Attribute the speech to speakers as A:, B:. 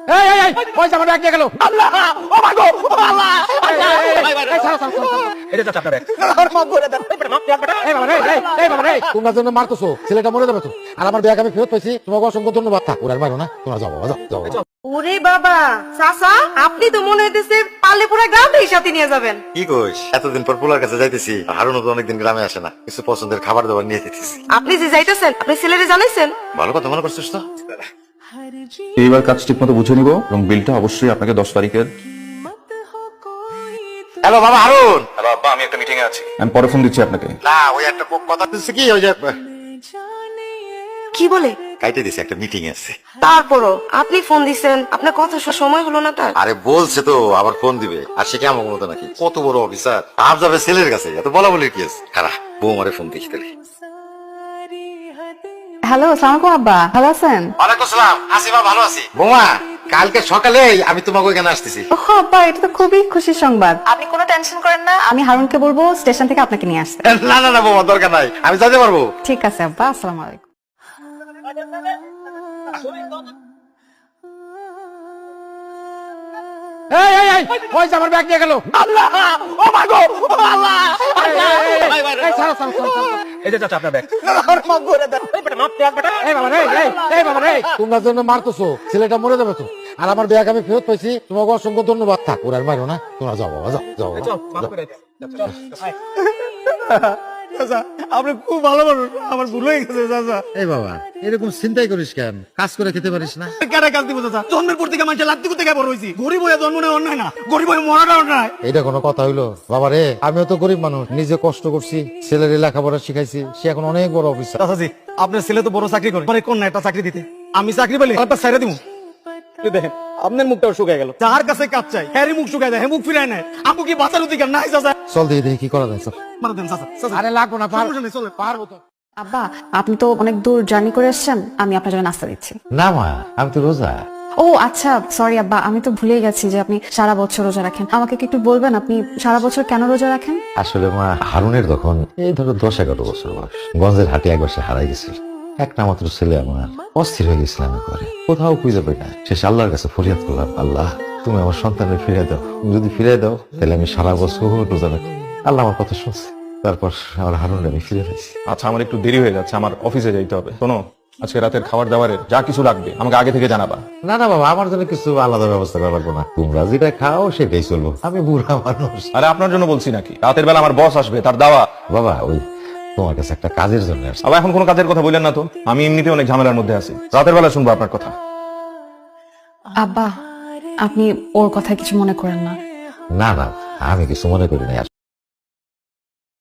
A: ওই যে আমার ব্যাগ নিয়ে গেল। আল্লাহ, ও মা গো, ও আল্লাহ।
B: এটা চাচা আপনার ব্যাগ।
A: তোমরা জন্য মারতেছো, ছেলেটা মরে যাবে তো। আর আমার ব্যাগ আমি ফেরত পাইছি, তোমাকে অসংখ্য ধন্যবাদ। থাক, ওরা আর মারো না, তোমরা যাও বাবা, যাও।
C: ওরে বাবা, চাচা আপনি তো মনে হইতেছে পারলে পুরো গ্রামটাই সাথে নিয়ে যাবেন।
D: কি কইস, এতদিন পর পোলার কাছে যাইতেছি। হারুনও তো অনেকদিন গ্রামে আসে না, কিছু পছন্দের খাবার দাবার নিয়ে যেতেছি।
C: আপনি যে যাইতেছেন, আপনি ছেলেরে জানাইছেন?
D: ভালো কথা মনে করছিস তো।
B: এইবার কাজ ঠিক মতো বুঝে নিব এবং বিলটা অবশ্যই আপনাকে 10 তারিখের।
D: হ্যালো বাবা হারুন।
B: হ্যালো আব্বা, আমি একটা মিটিং এ আছি, আমি পরে ফোন দিচ্ছি আপনাকে।
D: না, ওই একটা কথা দিচ্ছে কি, ওই যে
C: কি বলে?
D: কাইটে দিছে, একটা মিটিং আছে।
C: তারপরও আপনি ফোন দিছেন, আপনার কথা সময় হলো না তার?
D: আরে বলছে তো আবার ফোন দিবে, আর সে কেমন মতো নাকি, কত বড় অফিসার, আপ যাবে ছেলের কাছে, এত বলা বলির কি আছে। খারাপ বৌমারে ফোন দিচ্ছি তাহলে।
E: হ্যালো, আসসালামু আলাইকুম আব্বা, ভালো আছেন?
D: ওয়ালাইকুম সালাম, আসিমা ভালো আছি। বৌমা, কালকে সকালে আমি তোমাকে ওইখানে আসতেছি।
E: ওহ আব্বা, এটা তো খুবই খুশির সংবাদ। আপনি কোনো টেনশন করেন না, আমি হারুনকে বলবো স্টেশন থেকে আপনাকে নিয়ে আসতে।
D: না বৌমা, দরকার নাই, আমি যেতে পারবো।
E: ঠিক আছে আব্বা, আসসালামু আলাইকুম।
A: ওই যে আমার ব্যাগ নিয়ে গেল। আল্লাহ, ও মা গো, ও আল্লাহ।
B: এই যে চাচা আপনার ব্যাগ।
A: তোমরা জন্য মারতেছো, ছেলেটা মরে যাবে তো। আর আমার ব্যাগ আমি ফেরত পাইছি, তোমাকে অসংখ্য ধন্যবাদ। থাক, ওরা আর মারো না, তোমরা যাও বাবা, যাও।
F: আপনি খুব ভালো মানুষ, আমার ভুল হয়ে গেছে চাচা।
A: এই বাবা, এরকম চিন্তাই করিস কেন? কাজ করে খেতে পারিস না?
F: কেন কাজ দিব চাচা? জন্মের পর থেকে মানুষের লাত্তি করতে বড় হয়েছি। গরিব হয়ে জন্ম নেওয়া অন্যায় না, গরিব হয়ে মরাটা অন্যায়।
A: এটা কোনো কথা হইলো? বাবা রে, আমিও তো গরিব মানুষ, নিজে কষ্ট করছি, ছেলের লেখাপড়া শিখাইছি, সে এখন অনেক বড় অফিসার।
F: চাচাজি, আপনার ছেলে তো বড় চাকরি করে, মানে কোন একটা চাকরি দিতে আমি চাকরি পেলে একটা ছেড়ে দিব। দেখেন আপনার মুখটাও শুকায় গেল। যার কাছে কাজ চাই হ্যারি মুখ শুকায় যায়, হ্যাঁ মুখ ফিরায় নেয়। আপু কি বাঁচার অধিকার নাই চাচা?
A: চল দেখি কি করা যায়। চল।
F: মারা দেন চাচা, চাচা।
A: আরে লাগবো না,
F: সমস্যা নেই, চলে।
A: পারবো তো।
E: আব্বা, আপনি তো অনেক দূর জার্নি করে এসেছেন, আমি আপনার জন্য নাস্তা দিচ্ছি।
A: না মা, আমি তো রোজা।
E: ও আচ্ছা, সরি আব্বা, আমি তো ভুলে গেছি যে আপনি সারা বছর রোজা রাখেন। আমাকে কি একটু বলবেন আপনি সারা বছর কেন রোজা রাখেন?
G: আসলে মা, হারুনের তখন এই ধরো 10-11 বছর বয়স। গঞ্জের হাটে একবার সে হারাই গেছিল। একটা মাত্র ছেলে আমার, অস্থির হয়ে গেছিলাম করে, কোথাও খুঁজে পাই না। শেষ আল্লাহর কাছে ফরিয়াদ করলাম, আল্লাহ তুমি আমার সন্তানের ফিরে দাও, যদি ফিরে দাও তাহলে আমি সারা বছর রোজা রাখবো। আল্লাহ আমার কথা শুনছে, তারপর আমার হারুনকে আমি ফিরে পেয়েছি।
B: আচ্ছা, আমার একটু দেরি হয়ে যাচ্ছে, আমার অফিসে যাইতে হবে। শোনো, আজকে রাতের খাবার দাবারের যা কিছু লাগবে আমাকে আগে থেকে জানাবা।
G: না বাবা, আমার জন্য কিছু আলাদা ব্যবস্থা করা লাগবে না, তোমরা যেটা খাও সেটাই চলবো, আমি বুড়া মানুষ।
B: আরে আপনার জন্য বলছি নাকি? রাতের বেলা আমার বস আসবে, তার দাওয়া।
G: বাবা, ওই তোমার কাছে একটা কাজের জন্য আসছি।
B: আবার এখন কোনো কাজের কথা বললেন না তো, আমি এমনিতে অনেক ঝামেলার মধ্যে আছি। রাতের বেলা শুনবো আপনার কথা।
E: আব্বা, আপনি ওর কথা কিছু মনে করেন না।
G: না, আমি কিছু মনে করি না।